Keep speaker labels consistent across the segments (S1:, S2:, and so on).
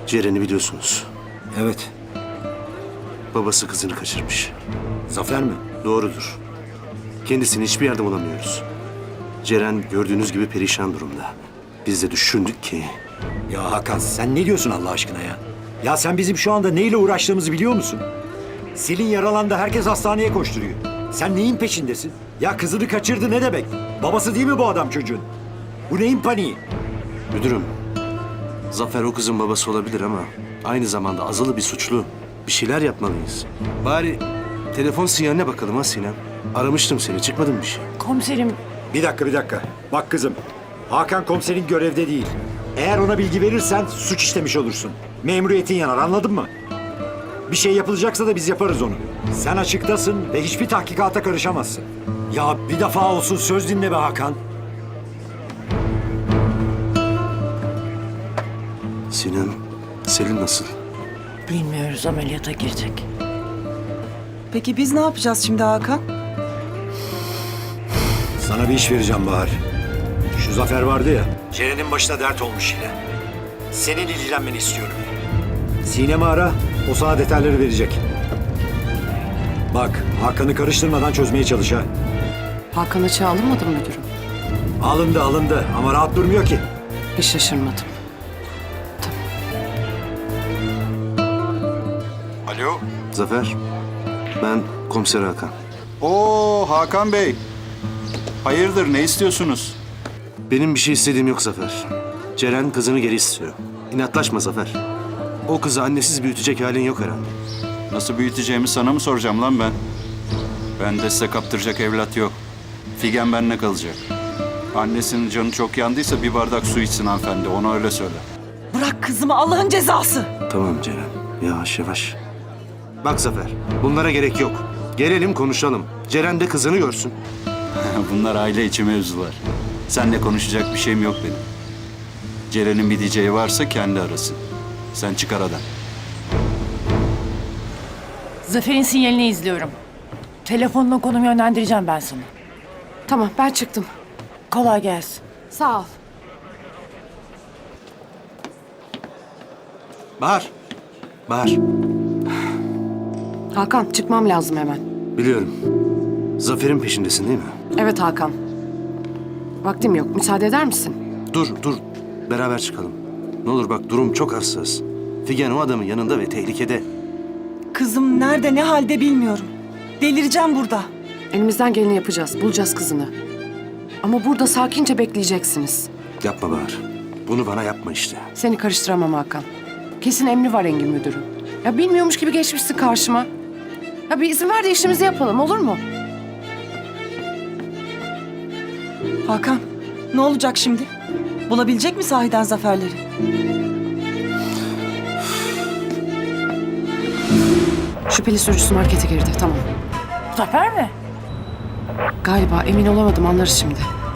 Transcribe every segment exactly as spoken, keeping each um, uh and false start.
S1: Ceren'i biliyorsunuz.
S2: Evet.
S1: Babası kızını kaçırmış.
S2: Zafer mi?
S1: Doğrudur. Kendisini hiçbir yerde bulamıyoruz. Ceren gördüğünüz gibi perişan durumda. Biz de düşündük ki...
S2: Ya Hakan sen ne diyorsun Allah aşkına ya? Ya sen bizim şu anda neyle uğraştığımızı biliyor musun? Selin yaralandı, herkes hastaneye koşturuyor. Sen neyin peşindesin? Ya kızını kaçırdı ne demek? Babası değil mi bu adam çocuğun? Bu neyin paniği?
S1: Müdürüm, Zafer o kızın babası olabilir ama... aynı zamanda azılı bir suçlu. Bir şeyler yapmalıyız. Bari telefon sinyaline bakalım ha Sinem. Aramıştım seni, çıkmadın bir şey.
S3: Komiserim,
S2: Bir dakika bir dakika. Bak kızım, Hakan komiserin görevde değil. Eğer ona bilgi verirsen suç işlemiş olursun. Memuriyetin yanar, anladın mı? Bir şey yapılacaksa da biz yaparız onu. Sen açıktasın ve hiçbir tahkikata karışamazsın. Ya bir defa olsun söz dinle be Hakan.
S1: Sinem, Selin nasıl?
S3: bilmiyoruz, ameliyata girecek.
S4: Peki biz ne yapacağız şimdi Hakan?
S2: Sana bir iş vereceğim Bahar. Şu Zafer vardı ya. Ceren'in başına dert olmuş yine. Senin ilgilenmeni istiyorum. Sinem'i ara, o sana detayları verecek. Bak, Hakan'ı karıştırmadan çözmeye çalış ha.
S5: Hakan açığa alınmadı mı müdürüm?
S2: Alındı alındı ama rahat durmuyor ki.
S5: Hiç şaşırmadım.
S6: Alo.
S1: Zafer, ben komiser Hakan.
S6: Oo Hakan Bey. Hayırdır, ne istiyorsunuz?
S1: Benim bir şey istediğim yok Zafer. Ceren kızını geri istiyor. İnatlaşma Zafer. O kızı annesiz büyütecek halin yok herhalde.
S6: Nasıl büyüteceğimi sana mı soracağım lan ben? Bende size kaptıracak evlat yok. Figen benimle kalacak. Annesinin canı çok yandıysa bir bardak su içsin hanımefendi, ona öyle söyle.
S4: Bırak kızımı, Allah'ın cezası.
S1: Tamam Ceren, yavaş yavaş. Bak Zafer, bunlara gerek yok. Gelelim konuşalım. Ceren de kızını görsün.
S6: Bunlar aile içi mevzular. Seninle konuşacak bir şeyim yok benim. Ceren'in bir diyeceği varsa kendi arasın. Sen çık aradan.
S3: Zafer'in sinyalini izliyorum. Telefonla konum yönlendireceğim ben sana.
S5: Tamam, ben çıktım.
S3: Kolay gelsin.
S5: Sağ ol.
S1: Bahar, Bahar.
S5: Hakan, çıkmam lazım hemen.
S1: Biliyorum. Zafer'in peşindesin değil mi?
S5: Evet Hakan. Vaktim yok, müsaade eder misin?
S1: Dur, dur. Beraber çıkalım. Ne olur bak, durum çok hassas. Figen o adamın yanında ve tehlikede.
S4: Kızım nerede, ne halde bilmiyorum. Delireceğim burada.
S5: Elimizden geleni yapacağız, bulacağız kızını. Ama burada sakince bekleyeceksiniz.
S1: Yapma Bahar. Bunu bana yapma işte.
S5: Seni karıştıramam Hakan. Kesin emri var Engin müdürüm. Ya bilmiyormuş gibi geçmişsin karşıma. Ya bir izin ver de işimizi yapalım, olur mu?
S4: Hakan, ne olacak şimdi? Bulabilecek mi sahiden Zaferleri?
S5: Şüpheli sürücüsü markete girdi, tamam.
S3: Zafer mi?
S5: Galiba, emin olamadım, anlarız şimdi.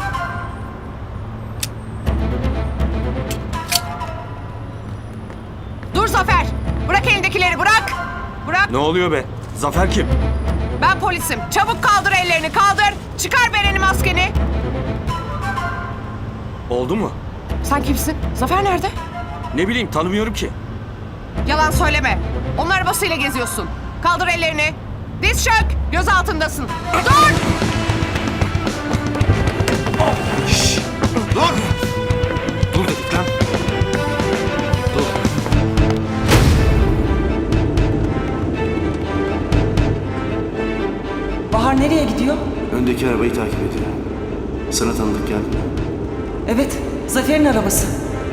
S7: Dur Zafer! Bırak elindekileri, bırak! Bırak!
S8: Ne oluyor be? Zafer kim?
S7: Ben polisim. Çabuk kaldır ellerini, kaldır! Çıkar bereni, maskeni!
S8: Oldu mu?
S7: Sen kimsin? Zafer nerede?
S8: Ne bileyim, tanımıyorum ki.
S7: Yalan söyleme. Onun arabasıyla geziyorsun. Kaldır ellerini. Diz çök! Göz altındasın. Dur!
S1: Dur! Dur dedik lan. Dur.
S4: Bahar nereye gidiyor?
S1: Öndeki arabayı takip ediyor. Sana tanıdık geldi mi?
S4: Evet, Zafer'in arabası.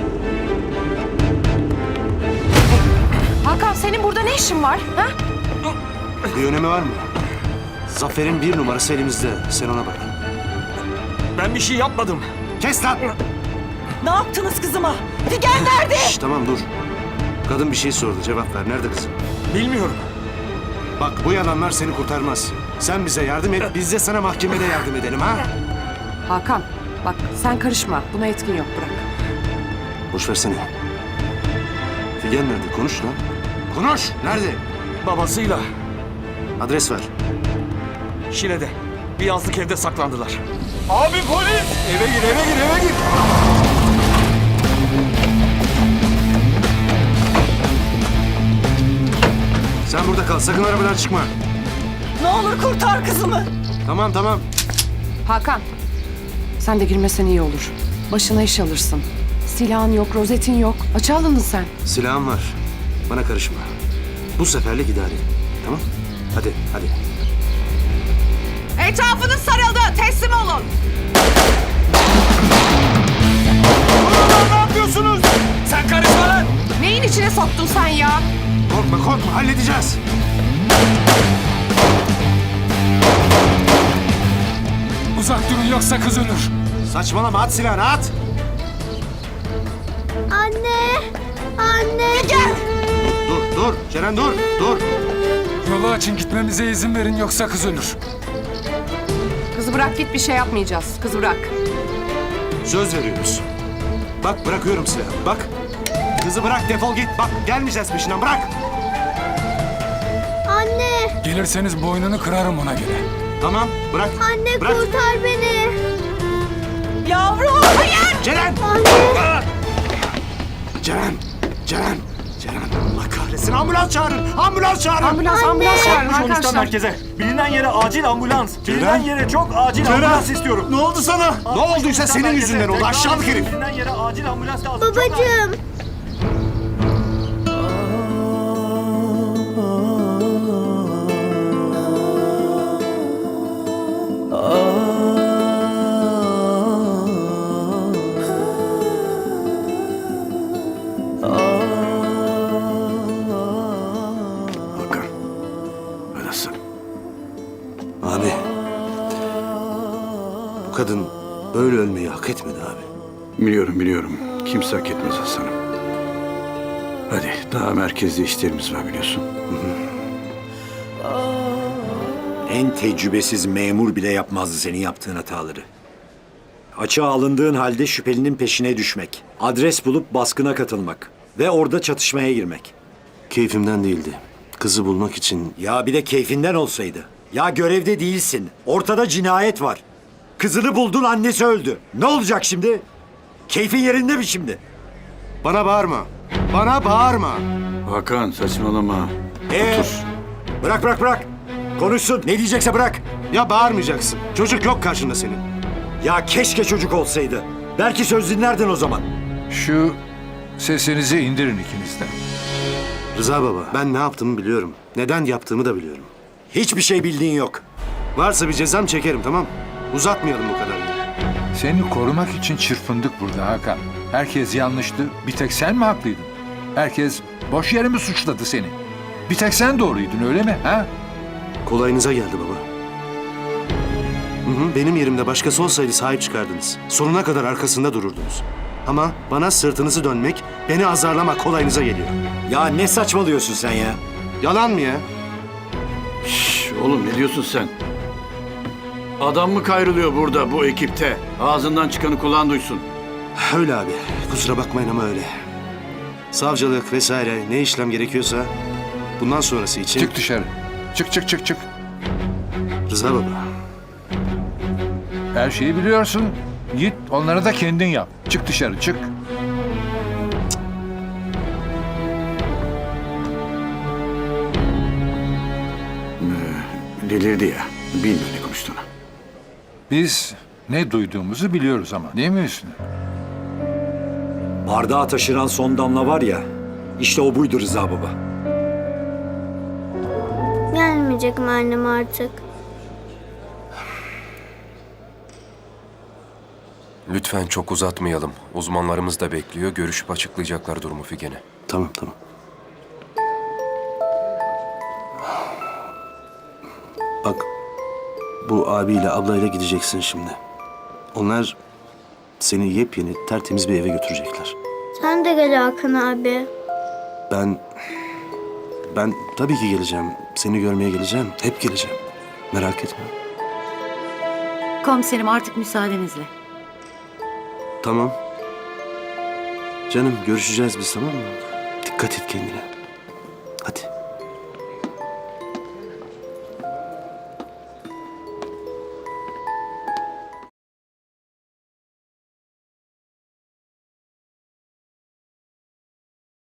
S5: Hakan, senin burada ne işin var? Ha?
S1: Bir önemi var mı? Zafer'in bir numarası elimizde. Sen ona bak.
S8: Ben bir şey yapmadım.
S1: Kes lan!
S4: Ne yaptınız kızıma? Figen nerede?
S1: Şş, tamam dur. Kadın bir şey sordu. Cevap ver. Nerede kızım?
S8: Bilmiyorum.
S1: Bak bu yalanlar seni kurtarmaz. Sen bize yardım et. Biz de sana mahkemede yardım edelim ha?
S5: Hakan, bak sen karışma. Buna etkin yok, bırak.
S1: Boş versene. Figen nerede? Konuş lan. Konuş! Nerede?
S8: Babasıyla
S1: Adres ver.
S8: Şile'de bir yazlık evde saklandılar. Abi polis! Eve gir, eve gir, eve gir!
S1: Sen burada kal. Sakın arabadan çıkma.
S4: Ne olur kurtar kızımı.
S1: Tamam tamam.
S5: Hakan, sen de girmesen iyi olur. Başına iş alırsın. Silahın yok, rozetin yok. Açığa alındın sen.
S1: Silahım var. Bana karışma. Bu seferlik idare et. Tamam? Hadi hadi.
S7: Etrafınız sarıldı. Teslim olun.
S8: Ne yapıyorsunuz? Sen karışma lan.
S7: Neyin içine soktun sen ya?
S1: Korkma korkma halledeceğiz.
S8: Uzak durun yoksa kız ölür.
S1: Saçmalama at silahını at.
S9: Anne! Anne! Gel!
S1: Dur dur Ceren dur dur.
S8: Yolu açın gitmemize izin verin yoksa kız ölür.
S7: Kızı bırak git, bir şey yapmayacağız. Kızı bırak.
S1: Söz veriyoruz. Bak bırakıyorum silahı bak. Kızı bırak defol git. Bak gelmeyeceğiz peşinden bırak.
S9: Anne!
S8: Gelirseniz boynunu kırarım ona göre.
S1: Tamam bırak.
S9: Anne
S1: Bırak.
S9: kurtar beni!
S4: Yavrum.
S1: Ceren.
S9: Anne!
S1: Ceren. Ceren. Ceren. Allah kahretsin ambulans çağırın. Ambulans çağırın.
S5: Ambulans, ambulans çağırın arkadaşlar.
S10: merkeze. Bilinen yere acil ambulans. Bilinen yere çok acil
S1: Ceren.
S10: ambulans istiyorum.
S1: Ne oldu sana? Ne olduysa senin yüzünden oldu aşağılık herif.
S10: Bilinen yere acil ambulans lazım. Çok acil.
S9: Babacığım!
S1: Hakan. Anasın. Abi. Bu kadın böyle ölmeyi hak etmedi abi.
S6: Biliyorum biliyorum. Kimse hak etmez Hasan'ım. Hadi daha merkezde işlerimiz var biliyorsun.
S2: En tecrübesiz memur bile yapmazdı senin yaptığın hataları. Açığa alındığın halde şüphelinin peşine düşmek, adres bulup baskına katılmak ve orada çatışmaya girmek.
S1: Keyfimden değildi. Kızı bulmak için
S2: Ya bir de keyfinden olsaydı. Ya görevde değilsin. Ortada cinayet var. Kızını buldun, annesi öldü. Ne olacak şimdi? Keyfin yerinde mi şimdi?
S1: bana bağırma. Bana bağırma.
S6: Hakan saçmalama.
S2: Ee, bırak bırak bırak. Konuşsun. Ne diyecekse bırak.
S1: Ya bağırmayacaksın. Çocuk yok karşında senin.
S2: Ya keşke çocuk olsaydı. Belki söz dinlerdin o zaman.
S11: Şu sesinizi indirin ikiniz de.
S1: Rıza baba, ben ne yaptığımı biliyorum. Neden yaptığımı da biliyorum.
S2: Hiçbir şey bildiğin yok.
S1: Varsa bir cezam çekerim tamam. Uzatmayalım bu kadar.
S11: Seni korumak için çırpındık burada Hakan. Herkes yanlıştı. Bir tek sen mi haklıydın? Herkes boş yere mi suçladı seni? Bir tek sen doğruydun öyle mi? Ha?
S1: Kolayınıza geldi baba. Hı hı, benim yerimde başkası olsaydı sahip çıkardınız. Sonuna kadar arkasında dururdunuz. Ama bana sırtınızı dönmek, beni azarlama kolayınıza geliyor.
S2: Ya ne saçmalıyorsun sen ya?
S1: Yalan mı ya?
S6: Şş, oğlum ne diyorsun sen? Adam mı kayrılıyor burada bu ekipte? Ağzından çıkanı kulağın duysun.
S1: Öyle abi. Kusura bakmayın ama öyle. Savcılık vesaire ne işlem gerekiyorsa bundan sonrası için...
S11: Çık dışarı. Çık çık çık çık.
S1: Rıza baba.
S11: Her şeyi biliyorsun. Git onları da kendin yap. Çık dışarı çık.
S6: Delirdi ya. Bilmiyor ne konuştuğunu.
S11: Biz ne duyduğumuzu biliyoruz ama değil mi Hüsnü?
S2: Bardağı taşıran son damla var ya, işte o buydu Rıza baba.
S9: Gelmeyecek mi annem artık?
S12: Lütfen çok uzatmayalım. Uzmanlarımız da bekliyor. Görüşüp açıklayacaklar durumu Figen'e.
S1: Tamam tamam. Bak bu abiyle ablayla gideceksin şimdi. Onlar seni yepyeni tertemiz bir eve götürecekler.
S9: Sen de gel Hakan abi.
S1: Ben... Ben tabii ki geleceğim. Seni görmeye geleceğim. Hep geleceğim. Merak etme.
S13: Komiserim artık müsaadenizle.
S1: Tamam. Canım görüşeceğiz biz tamam mı? Dikkat et kendine.